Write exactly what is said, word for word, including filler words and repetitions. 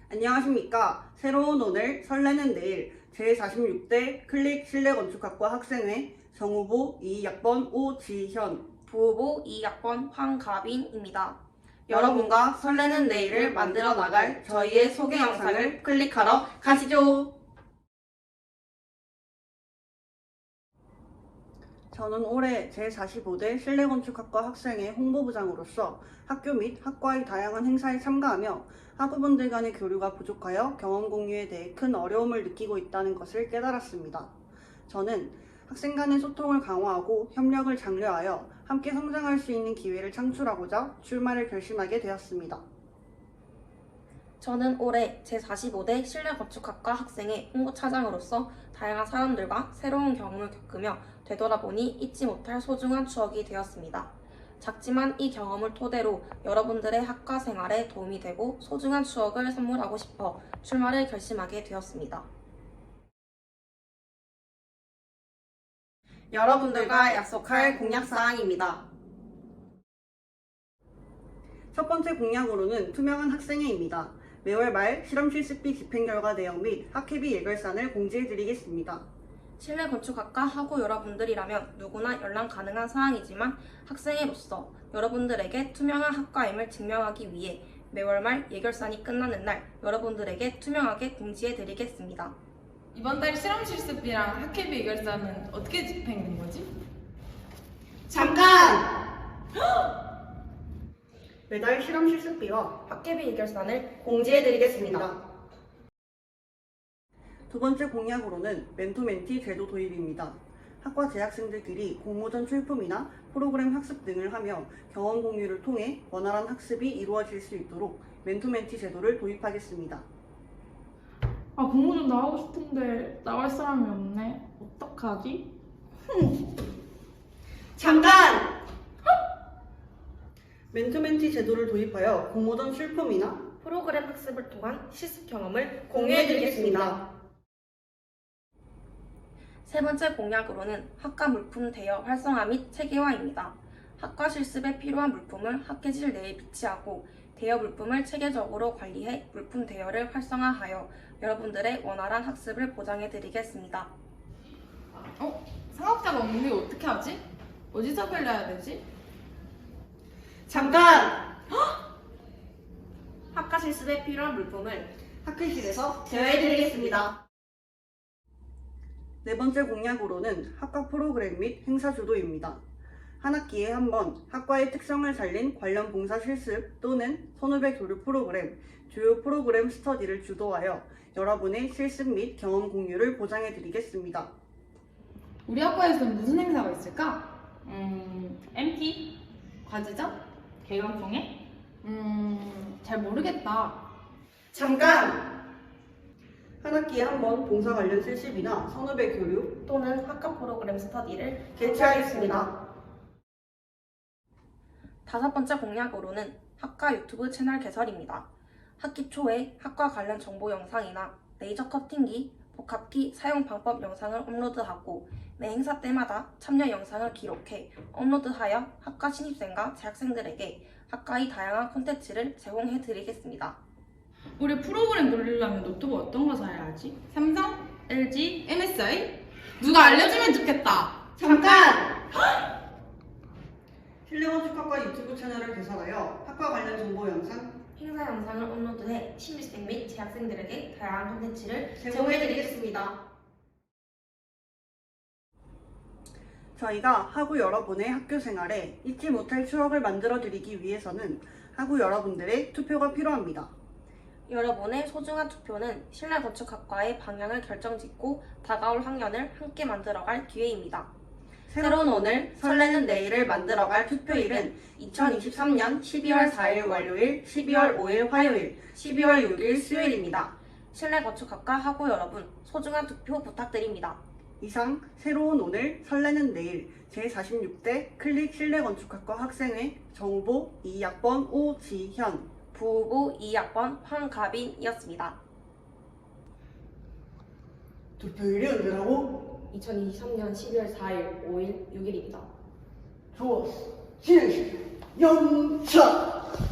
안녕하십니까. 새로운 오늘 설레는 내일 제사십육 대 클릭 실내건축학과 학생회 정후보 이 학번 오지현, 부후보 이 학번 황가빈입니다. 여러분과 설레는 내일을 만들어 나갈 저희의 소개 영상을 클릭하러 가시죠. 저는 올해 제사십오 대 실내건축학과 학생회 홍보부장으로서 학교 및 학과의 다양한 행사에 참가하며 학우분들 간의 교류가 부족하여 경험 공유에 대해 큰 어려움을 느끼고 있다는 것을 깨달았습니다. 저는 학생 간의 소통을 강화하고 협력을 장려하여 함께 성장할 수 있는 기회를 창출하고자 출마를 결심하게 되었습니다. 저는 올해 제사십오 대 실내건축학과 학생회 홍보차장으로서 다양한 사람들과 새로운 경험을 겪으며 되돌아보니 잊지 못할 소중한 추억이 되었습니다. 작지만 이 경험을 토대로 여러분들의 학과 생활에 도움이 되고 소중한 추억을 선물하고 싶어 출마를 결심하게 되었습니다. 여러분들과 약속할 공약사항입니다. 첫 번째 공약으로는 투명한 학생회입니다. 매월 말 실험 실습비 집행결과 내용 및 학회비 예결산을 공지해드리겠습니다. 실내건축학과 학우 여러분들이라면 누구나 연락 가능한 사항이지만 학생회로서 여러분들에게 투명한 학과임을 증명하기 위해 매월 말 예결산이 끝나는 날 여러분들에게 투명하게 공지해드리겠습니다. 이번 달 실험 실습비랑 학회비 예결사는 어떻게 집행된 거지? 잠깐! 매달 실험 실습비와 학회비 예결산을 공지해드리겠습니다. 두 번째 공약으로는 멘토멘티 제도 도입입니다. 학과 재학생들끼리 공모전 출품이나 프로그램 학습 등을 하며 경험 공유를 통해 원활한 학습이 이루어질 수 있도록 멘토멘티 제도를 도입하겠습니다. 아, 공모전 나가고 싶은데 나갈 사람이 없네. 어떡하지? 잠깐! 멘토멘티 제도를 도입하여 공모전 출품이나 프로그램 학습을 통한 실습 경험을 공유해드리겠습니다. 세 번째 공약으로는 학과 물품 대여 활성화 및 체계화입니다. 학과 실습에 필요한 물품을 학회실 내에 비치하고 대여 물품을 체계적으로 관리해 물품 대여를 활성화하여 여러분들의 원활한 학습을 보장해드리겠습니다. 어? 상업자가 없는데 이거 어떻게 하지? 어디서 빌려야 되지? 잠깐! 학과 실습에 필요한 물품을 학회실에서 대여해드리겠습니다. 네 번째 공약으로는 학과 프로그램 및 행사 주도입니다. 한 학기에 한 번 학과의 특성을 살린 관련 봉사 실습 또는 선후배 교류 프로그램, 주요 프로그램 스터디를 주도하여 여러분의 실습 및 경험 공유를 보장해드리겠습니다. 우리 학과에서는 무슨 행사가 있을까? 음, 엠티? 과제죠? 개강총회? 음... 잘 모르겠다. 잠깐! 한 학기에 한 번 봉사 관련 실습이나 선후배 교류 또는 학과 프로그램 스터디를 개최하겠습니다. 다섯 번째 공약으로는 학과 유튜브 채널 개설입니다. 학기 초에 학과 관련 정보 영상이나 레이저 커팅기, 복합기 사용 방법 영상을 업로드하고 매 행사 때마다 참여 영상을 기록해 업로드하여 학과 신입생과 재학생들에게 학과의 다양한 콘텐츠를 제공해드리겠습니다. 우리 프로그램 돌리려면 노트북 어떤 거 사야 하지? 삼성? 엘지? 엠에스아이? 누가 알려주면 좋겠다. 잠깐! 실내건축학과 유튜브 채널을 개설하여 학과 관련 정보 영상 행사 영상을 업로드해 신입생 및 재학생들에게 다양한 콘텐츠를 제공해드리겠습니다. 저희가 학우 여러분의 학교 생활에 잊지 못할 추억을 만들어드리기 위해서는 학우 여러분들의 투표가 필요합니다. 여러분의 소중한 투표는 실내건축학과의 방향을 결정짓고 다가올 학년을 함께 만들어갈 기회입니다. 새로운 오늘, 설레는 내일을 만들어갈 투표일은 이천이십삼 년 십이월 사일 월요일, 십이월 오일 화요일, 십이월 육일 수요일입니다. 실내건축학과 학우 여러분, 소중한 투표 부탁드립니다. 이상 새로운 오늘, 설레는 내일 제사십육 대 클릭 실내건축학과 학생회 정후보 이 학번 오지현, 부후보 이 학번 황가빈이었습니다. 투표일이 언제라고? 이천이십삼 년 십이월 사일, 오일, 육일입니다. 좋았어. 진행시켜. 영차!